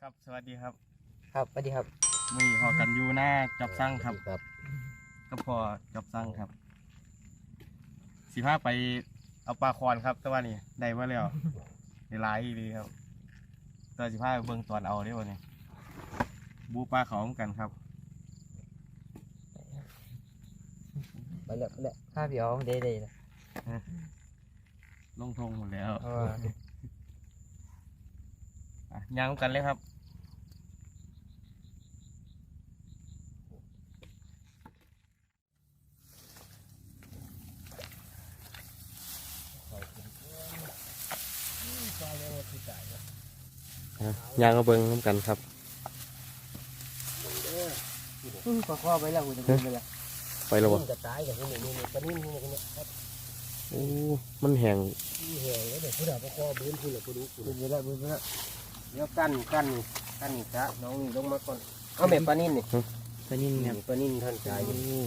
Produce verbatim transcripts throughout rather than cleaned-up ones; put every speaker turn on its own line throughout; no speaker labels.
ครับสวัสดีครับ
ครับสวัสดีครับ
มือพอกันอยู่หน้าจับสั่งครับ
ครับ
ก็พอจับสั่งครับสิพาไปเอาปลาคอนครับแต่ว่านี่ได้มาแล้วในหลายดีครับตอนสิพาไปเบิ่งตอนเอาได้วันนี้บูปลาเขาเหมือนกันครับ
ไปเลยไปเลยข้าพี่อ๋องเด้เด้เลย
ลงทงหมดแล้ว
เออ
อ่ะย่างกันเลยครับย่างก็เบิ่งน้ำกันครับ
ปลาข้อไปแล้วคุณจะกินไปแล้ว
ไปแล้วบ่
กระต่ายกับคุณนี่นี่ปลานิ่มนี่นี่ครับ
โอ้มันแห้ง
นี่แห้งแล้วเดี๋ยวผู้ดาวปลาข้อบื้นคุณเหรอคุณดูคุณไปแล้วบื้นไปแล้วเดี๋ยวกั้นกั้นกั้นนี่ซะน้องนี่ลงมาก่อนเอาแม่ปลานิ่มนี่ปลานิ่มเนี่ยปลานิ่มท่านชาย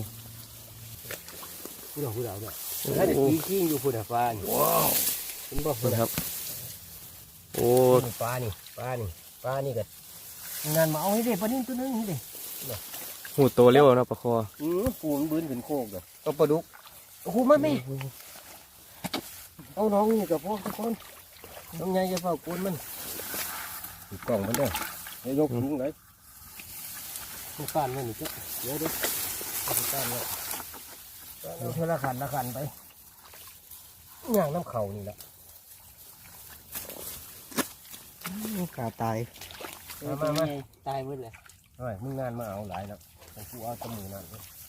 ผู้ดาวผู้ดาวเนี่ยถ้าเด็กขี้ขี้อยู่ผู้ดาวปลาว้าวคุณบอกคุณ
ครับโอ้
ปลานี่ปลานี่ปลานี่กันงานมาเอาให้เด็กปลานิ่มตัวนึงนี่เด็ก
หูโตเร็วนะปลาคอ
อืมปูนบื้นขึ้นโคกเลยเอาปลาดุกโอ้โหมาไม่เอาน้องนี่กับพ่อทุกคนน้องใหญ่จะเฝ้าปูนมันติดกล่องมันเด้อเดี๋ยวยกถุงเลยมันก้านมันนี่จ้ะเดี๋ยวเดี๋ยวมันก้านเลยเอาเท่าละขันละขันไปย่างน้ำเข่านี่แหละกาตายมามามาตายหมดเลยเฮ้ยมึงงานมาเอาหลายแล้วกูเอาตะมือนั่น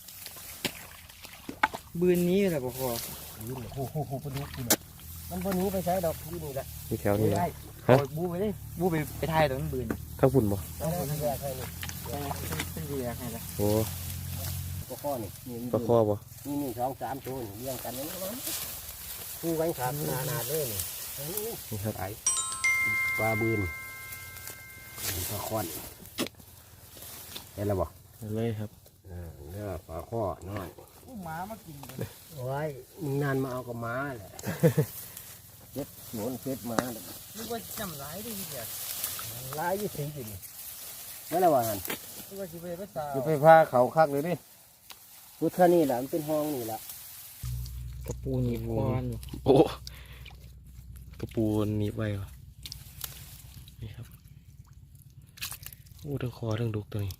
บืนนี้แหละพ่อบืนโอ้โหโอ้โหปลาดุกนี่นะมันบนนี้ไปใช้ดอกบืนนี่แหละ
ที่แถวนี้
ได้บูไปเลยบูไปไปถ่ายตรงนั้นบืน
ข้างฝุ่นบ่
ข้างฝุ่นแยกให้นี่เป็นแยกให้ละ
โอ้
ปลาข้อนี่
ปลาคอบ่
นี่นี่สองสามตัวนี่เลี้ยงกันนี่คู่ไว้ขาดนานาเลยนี่
นี่ครับ
ไอ้ปลาบืนปลาข้อนเห็นแล้วบ่
เลยครับ
เนื้อปลาข้อน้อยหมามากินเลยโอ้ยมึงนานมาเอากับหมาแหละเจ็ดหนุนเจ็ดหมาเลยนึกว่าจำร้ายได้ยังไงร้ายยี่สิบปีนี่ไม่ละว่างันนึกว่าสิไปภาษาสิไปพาเขาคักเลยดิพุทธนี่แหละมันเป็นห้องนี่แหละกระปูหนีบคอน
โอ้กระปูหนีบไว้วะนี่ครับโอ้ทั้งคอทั้งดุกตัวนี้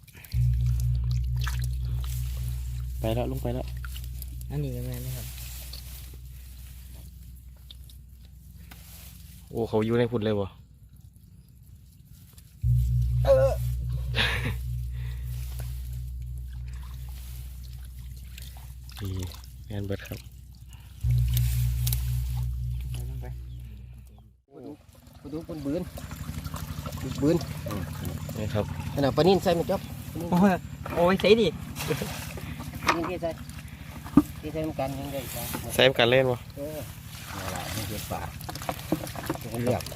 ไปแล้วลงไปแล้ว
อันนี้เป็นไงนะครับ
โอ้เขาอยู่ในพุ่นเลยวะ
เออ
นี่งานเบิดครับ
ลงไปไปดูปนบืนบืน
นี่ครับ
ขนาดปลานิ่นใส่ไหมจ๊อบโอ้ยโอ้ยใส่ดินี่ที่ใส่ที่ใส่กันยังได้
ใส่กันเล่นวะ
เอออะไรนี่คือปลาเรียบ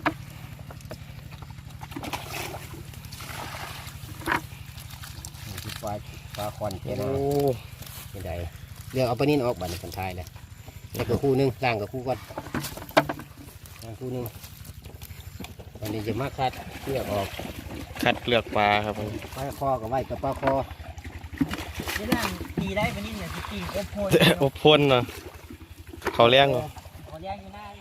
นี่คือปลาปลาคอนเจนะไม่ได้เรียกเอาปลานิ่นออกบัตรคนไทยเลยแล้วก็คู่นึงล่างกับคู่ก่อนล่างคู่นึงวันนี้จะมาคัดเลือกออก
คัดเลือกปลาครับ
ปลาคอกับไว้กับปลาคอนี่ล่างตีได้ปลานิ่นเนี่ยตีอบพน
อบพนเนาะเขาเลี้ยงเหรอ
เขาเลี้ยงอยู่หน้า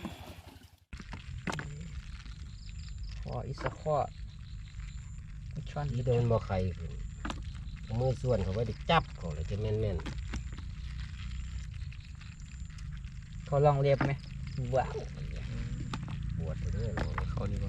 คออิสคอช่อนที่โดนบ่ไข่มือส่วนเขาไว้ดิจับเขาเลยจะแม่นแม่นเขาลองเรียบไหมว้าวปวดเลย
เขานี่บ่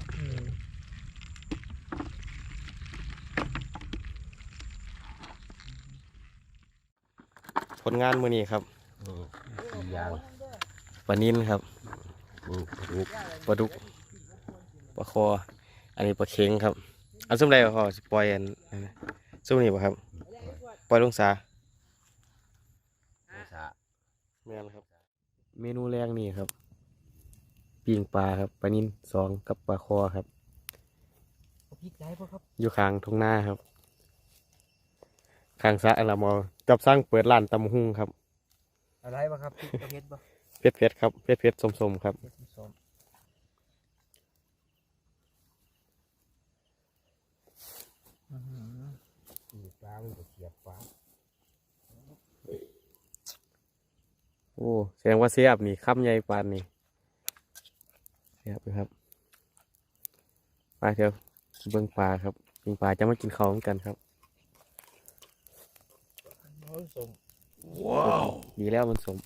ผลงานมือนี้ครับ
ยาง
ปลานิ่นครับปลาดุกปลาคออันนี้ปลาเค็งครับอันซุ่มใดพอปล่อยอันซุ่มนี่ป่ะครับปล่อยลงสาแม่นครับเมนูแรกนี่ครับปิ้งปลาครับปลานิ่นสองกับปลาคอครับอยู่ข้างทุ่งนาครับข้างสระเรามาจับสร้างเปิดร้านตำหุ่งครับ
อะไรบ้างครับเพชรบ้าง
เพชรเพชรครับเพชรเพชรสมๆครับ
ปลามันจะเสียบปลา
โอ้แสดงว่าเสียบนี่คำใหญ่ปานนี่เสียบเลยครับไปเถอะเบิ่งปลาครับเบิ่งปลาจะมากินข้าวเหมือนกันครับว้าวดีแล้วมันสม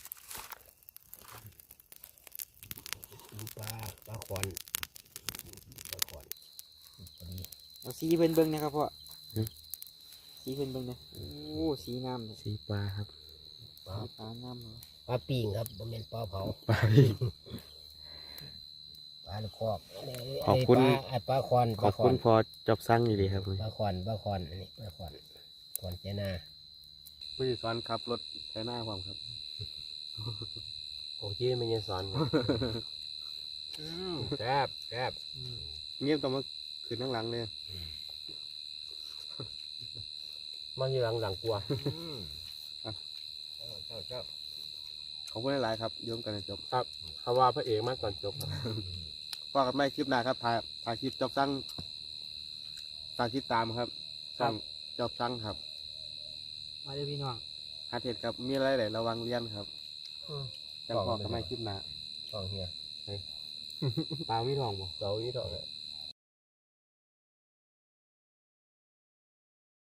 ปลาปลาขอนปลาขอนพอดี
เอาสีเพิ่นเบิ่งนะครับพ่อสีเพิ่นเบิ่งนะโอ้สีงามเลย
สีปลาครับ
ปลา
สีฟ้างามเลย
ปลาปิ่งครับบ่แม่นปลาเผา
ปลาพี่
ปลาลูกคอก
ขอบคุณ
ปลาอัดปลาคอน
ขอบคุณพอจอบสั่งอยู่ดีครับ
ปลาคอนปลาคอนอันนี้ปลาคอนคอนเจนา
ผู้สอนขับรถแค่หน้าความครับ
โอ้ยไม่ยังสอนแซ่บแซ่บ
เงียบต้องมาคืนนั่งหลังเลย
มันอยู่หลังหลังกลัว
เจ้าเจ้าขอบคุณหลายๆครับโยมกันจบ
ครับเขาว่าพระเอกมากก่อนจบครับ
ว่ากันไม่คลิปหน้าครับถ่ายถ่ายคลิปจอบสั่งฝากติดตามครับสั่งจอบสั่งครับ
มาเด้อพี่น้อง
หาเทศครับมีอะไรหลายระวังเรียนครับจังพอกันไม่คลิปหน้า
สองเฮีย
ปลาไม่ทองบ่
เสาอีดอกเลย